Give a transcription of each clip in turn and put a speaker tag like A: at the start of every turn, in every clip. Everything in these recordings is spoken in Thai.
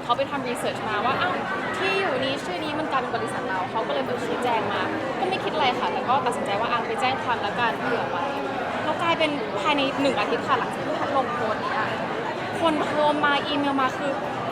A: เขาไปทำรีเสิร์ชมาว่าอ้าวที่อยู่นี้ชื่อนี้มันกลายเป็นบริษัทเราเขาก็เลยไปชี้แจงมาก็ไม่คิดอะไรค่ะแต่ก็ตัดสินใจว่าไปแจ้งความแล้วกันเผื่อไว้แล้วกลายเป็นภายใน1 อาทิตย์ค่ะหลังจากที่พัดลงโพสต์นี้คนโทรมาอีเมลมาคือ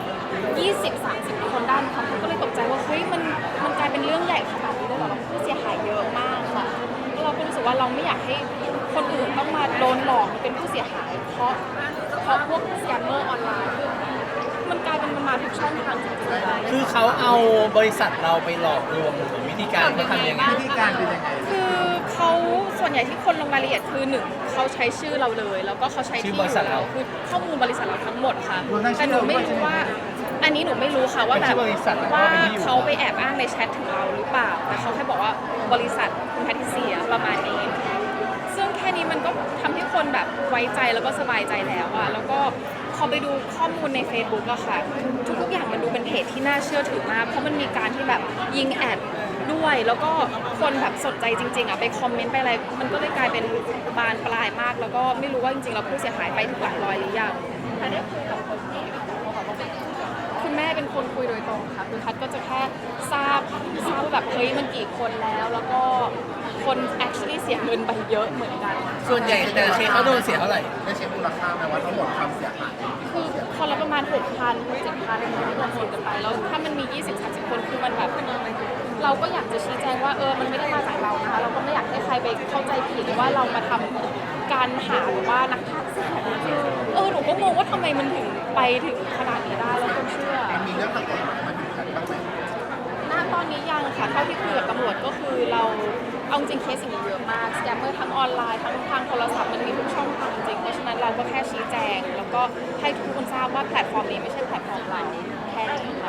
A: 20-30 คนได้ค่ะเขาก็เลยตกใจว่าเฮ้ยมันกลายเป็นเรื่องใหญ่ขนาดนี้เลยเหรอเราผู้เสียหายเยอะมากค่ะแล้วเราก็รู้สึกว่าเราไม่อยากให้คนอื่นต้องมาโดนหลอกเป็นผู้เสียหายเพราะพวกสแกมเมอร์ออนไลน์คือมันกลายเป็นมันมาทุกช่องทางจริงๆ
B: คือเขาเอาบริษัทเราไปหลอกลวงหรือวิธีการเขาทำยังไง
C: วิธีการเป็นยังไง
A: คือเขาส่วนใหญ่ที่คนลงรายละเอียดคือ1เขาใช้ชื่อเราเลยแล้วก็เขาใช้ที่อยู่เราคือข้อมูลบริษัทเราทั้งหมดค่ะแต่หนูไม่รู้ว่าอันนี้หนูไม่รู้ค่ะว่าแบบว่าเขาไปแอบอ้างในแชทถึงเราหรือเปล่าแต่เขาแค่บอกว่าบริษัทคุณแพทริเซียประมาณนี้ซึ่งแค่นี้มันก็ทำให้คนแบบไว้ใจแล้วก็สบายใจแล้วอะแล้วก็พอไปดูข้อมูลใน Facebook อะค่ะทุกอย่างมันดูเป็นเพจที่น่าเชื่อถือมากเพราะมันมีการที่แบบยิงแอดด้วยแล้วก็คนแบบสนใจจริงๆอะไปคอมเมนต์ไปอะไรมันก็เลยกลายเป็นบานปลายมากแล้วก็ไม่รู้ว่าจริงๆแล้วผู้เสียหายไปถึงหลักร้อยหรือยังแต่ได้คุยกับคนที่คุณแม่เป็นคนคุยโดยตรงค่ะคือพัดก็จะแค่ทราบว่าแบบเฮ้ยมันกี่คนแล้วก็คน actually เสียเงินไปเยอะเหมือนกัน
B: ส่วนใหญ่แต่ละเคสเขาโดนเสียเท่าไหร่
C: ได้เช็คมูลค่าไหมว่าทั้งหมดความเสียหาย
A: คือคนละประมาณ 6,000 7,000ที่รวมกันไปแล้วถ้ามันมี 20-30 คนคือมันแบบเราก็อยากจะชี้แจงว่ามันไม่ได้มาจากเรานะคะเราก็ไม่อยากให้ใครไปเข้าใจผิดว่าเรามาทำการหาหรือว่านักฆ่าเสียหนูก็งงว่าทำไมมันถึงไปถึงขนาดนี้ได้แล้วคนเชื่อ
C: มีเรื่องทางกฎหมายมาถึงกันบ้างไหม
A: ณตอนนี้ยังค่ะเท่าที่คุยกับตำรวจก็คือเราเอาจริงเคสสิ่งนี้เยอะมากสแกมเมอร์ทั้งออนไลน์ทั้งทางโทรศัพท์มันมีทุกช่องทางจริงเพราะฉะนั้นเราก็แค่ชี้แจงแล้วก็ให้ทุกคนทราบว่าแพลตฟอร์มนี้ไม่ใช่แพลตฟอร์มเราแค่นี้ค่ะ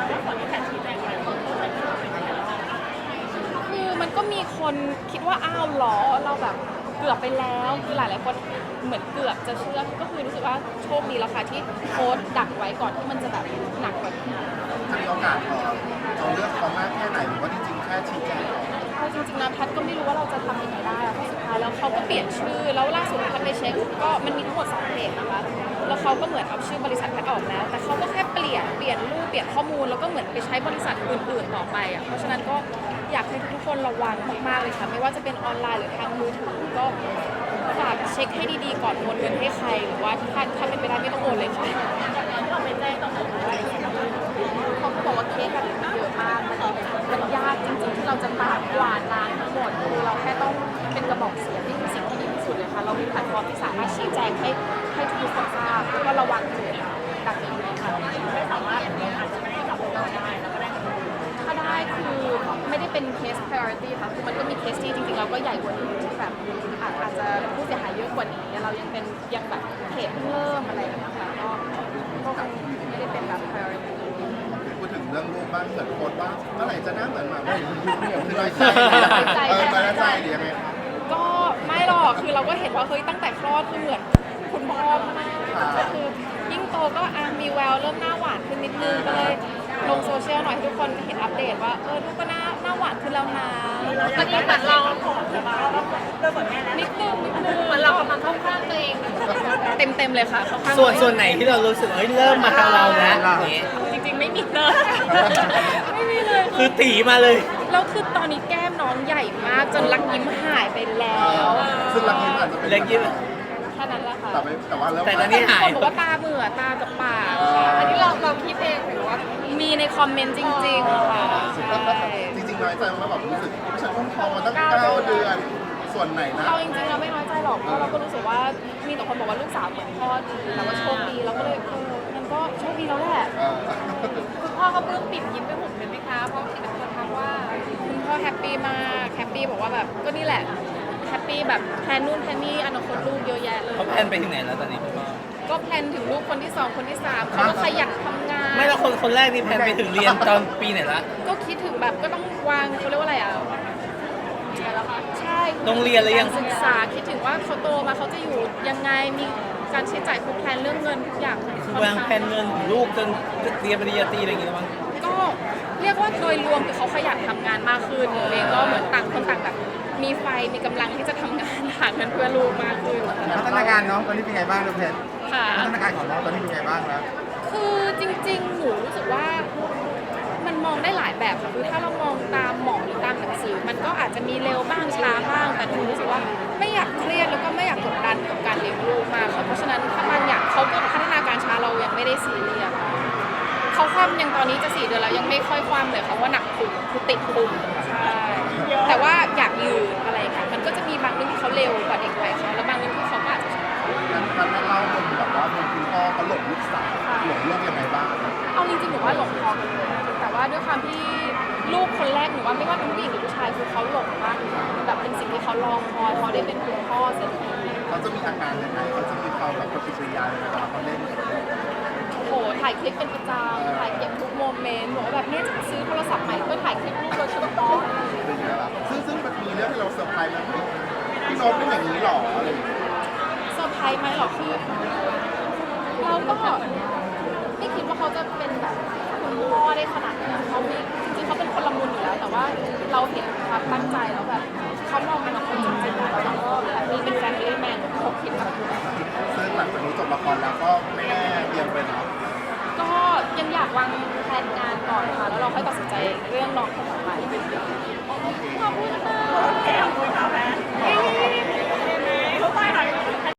A: คือมันก็มีคนคิดว่าอ้าวหรอเราแบบเกือบไปแล้วคือหลายๆคนเหมือนเกือบจะเชื่อก็คือรู้สึกว่าโชคดีแล้วค่ะที่โค้ดดักไว้ก่อนที่มันจะแบบหนักกว่านี้
C: ถ้ามีโอกาสเอาเรื่องเขามากแค่ไหนหรือว่าจริงๆแค่ชี้แจง
A: เอาจริงๆนะแพทก็ไม่รู้ว่าเราจะทำยังไงได้เพราะสุดท้ายแล้วเขาก็เปลี่ยนชื่อแล้วล่าสุดแพทไปเช็คก็มันมีทั้งหมด2เพจนะคะแล้วเขาก็เหมือนเอาชื่อบริษัทแพทออกแล้วแต่เขาก็แค่เปลี่ยนรูปเปลี่ยนข้อมูลแล้วก็เหมือนไปใช้บริษัทอื่นๆต่อไปอ่ะเพราะฉะนั้นก็อยากให้ทุกคนระวังมากๆเลยค่ะไม่ว่าจะเป็นออนไลน์หรือทางมือถือก็ฝากเช็คให้ดีๆก่อนโอนเงินให้ใครหรือว่าถ้าเป็นไปได้ไม่ต้องโอนเลยค่ะเราไม่แจ้งต้องโอนอะไรเขาก็บอกว่าเคสแบบนี้เยอะมากมันยากจริงๆที่เราจะปราบกวาดล้างทั้งหมดคือเราแค่ต้องเป็นกระบอกเสียงนี่คือสิ่งที่ดีที่สุดเลยค่ะเรามีแพลตฟอร์มที่สามารถชี้แจงให้ทุกคนทราบแล้วก็ระวังเหตุแบบนี้ค่ะไม่สามารถอาจจะไม่ได้จับเราได้แล้วก็ได้ถ้าได้คือไม่ได้เป็นเคส priority ค่ะคือมันก็มีเคสที่จริงๆเราก็ใหญ่กว่านี้ที่แบบอาจจะผู้เสียหายเยอะกว่านี้เรายังแบบเหตุเพิ่งเริ่มอะไรอย่างเงี้ยค่ะก็ไม่ได้เป็นแบบ priority
C: พูดถึงเรื่องรูปบ้างเหมือนโพสต์ว่าเมื่อไหร่จะหน้าเหมือนหมาว่าคือน้อยใจน้อยใจหรือยังไง
A: ก็ไม่หรอกคือเราก็เห็นว่าเฮ้ยตั้งแต่คลอดคือเหมือนคุณพ่อมากก็คือยิ่งโตก็มีแววเริ่มหน้าหวานขึ้นนิดนึงก็เลยลงโซเชียลหน่อยให้ทุกคนเห็นอัปเดตว่าลูกก็หน้าหวานขึ้นแล้วนะตอนนี้เหมือนเราผอมแต่ว่าเราเหมือนแม่แล้วนิดนึงเหมือนเรากำลังเข้าข้างตัวเองเต็มเลยค่ะเข้าข้าง
B: ส่วนไหนที่เรารู้สึกเริ่มมาทางเราแล้ว
A: จริงๆไม่มีเลยไม่มีเลย
B: คือตีมาเลย
A: แล้วคือตอนนี้แก้มน้องใหญ่มากจนรักยิ้มหายไปแล้ว
C: ซึ่งรักยิ้มอาจจะเป็น
B: รักยิ้ม
A: แค่นั้นแหละค่ะ
C: แต่ว่า
B: ตอนนี้หาย
A: คนบอกว่าตาเบื่อตากับปากอันนี้เราคิดเองหรือว่ามีในคอมเมนต์จริงๆค่ะ
C: จริงๆน้อยใจว่าแบบรู้สึกฉันอุ้มท้องมาตั้ง9 เดือนส่วนไหนนะ
A: เราจริงๆเราไม่น้อยใจหรอกเพราะเราก็รู้สึกว่ามีแต่คนบอกว่าลูกสาวเหมือนพ่อดีแล้วก็โชคดีเราก็เลยมันก็โชคดีแล้วแหละคุณพ่อก็ปลื้มปิ่มยิ้มไปหมดเลยไหมคะเพราะที่เป็นคนทักว่าคุณพ่อแฮปปี้มากแฮปปี้บอกว่าแบบก็นี่แหละแฮปปี้แบบแพลนนู่นแพลนนี่อนาคตลูกเยอะแยะเลย
B: เขาแพลนไปถึงไหนแล้วตอนนี้พ่อ
A: ก็แพลนถึงลูกคนที่2คนที่3เขาก็ขยันทำงาน
B: ไม่แล้วคนแรกนี่แพลนไปถึงเรียนตอนปีไหนละ
A: ก็คิดถึงแบบก็ต้องวางเขาเรียกว่าอะไรใช่
B: โรงเรียนอะไรยัง
A: ศึกษาคิดถึงว่าเขาโตมาเขาจะอยู่ยังไงมีการใช้จ่ายคือแพลนเรื่องเงินทุกอย่าง
B: คือวางแผนเงินของลูกจนเรียนปริญญาตรีอะไรอย่างเงี้ยมั้ง
A: ก็เรียกว่าโดยรวมคือเขาขยันทำงานมากขึ้นเองก็เหมือนต่างคนต่างแบบมีไฟมีกำลังที่จะทำงานหาเงินเพื่อลูกมากขึ้น
C: พัฒนาการน้องตอนนี้เป็นไงบ้างลูกเพชร
A: ค่ะ
C: พัฒนาการของน้องตอนนี้เป็นไงบ้างแล้ว
A: คือจริงๆหนูรู้สึกว่าแบบค่ะคือถ้าเรามองตามหมอหรือตามหนังสือมันก็อาจจะมีเร็วบ้างช้าบ้างแต่หนูรู้สึกว่าไม่อยากเครียดแล้วก็ไม่อยากกดดันกับการเลี้ยงลูกมากค่ะเพราะฉะนั้นถ้าบางอย่างเขาก็พัฒนาการช้าเรายังไม่ได้ซีเรียสเขาคว่ำยังตอนนี้จะ4 เดือนแล้วยังไม่ค่อยคว่ำเลยค่ะว่าหนักพุงคือติดพุงใช่แต่ว่าอยากยืนอะไรค่ะมันก็จะมีบางเรื่องที่เขาเร็วกว่าเด็กวัยเขาแล้วบางเรื่องที่เขาก็อาจจะช้า
C: มันไม่เล่ามุมแบบว่ามุมคุณพ่อเขาหลงลูกสาวหลงลูกยังไงบ้าง
A: เอาจริงๆหนูว่าหลงพอกันเลยแต่ว่าด้วยความที่ลูกคนแรกหนูว่าไม่ว่าเป็นผู้หญิงหรือผู้ชายคือเขาหลงมากแบบเป็นสิ่งที่เขารอคอยเขาได้เป็นคุณพ่อเสร็จที
C: เขาจะมีอาการยังไงเขาจะมีความแบบปฏิกิริยายังไงเวลาเขาเล่นกับลูก
A: โอ้โหถ่ายคลิปเป็นประจำถ่ายเก็บทุกโมเมนต์บอกว่าแบบเนี่ยจะซื้อโทรศัพท์ใหม่ก็ถ่ายคลิปลูกโดยเฉพาะ
C: อะไรอย่างเงี้ยล่ะซึ่งมันมีเรื่องให้เราเซอร์ไพรส์ไหมพี่โน้ตเป็นอย่างนี้หรออะไรอย่างเงี้ย
A: เซอร์ไพรส์ไหมหรอคือเราก็ไม่คิดว่าเขาจะเป็นแบบคุณพ่อได้ขนาดนี้เขาไม่จริงๆเขาเป็นคนละมุนอยู่แล้ว แต่ว่าเราเห็นความตั้งใจแล้วแบบเขามองเป็นคนจริงๆแล้วเราก็แบบนี้เป็นแฟนเล่แมนผมคิดแบบ
C: ซึ่งหลังจากนี้จบละครแล้วก็ไม่แน่เตรียมไปเนาะ
A: ก็ยังอยากวางแผนงานก่อนค่ะ แล้วเราค่อยตัดสินใจเรื่องน้องคนต่อไปขอบคุณค่ะ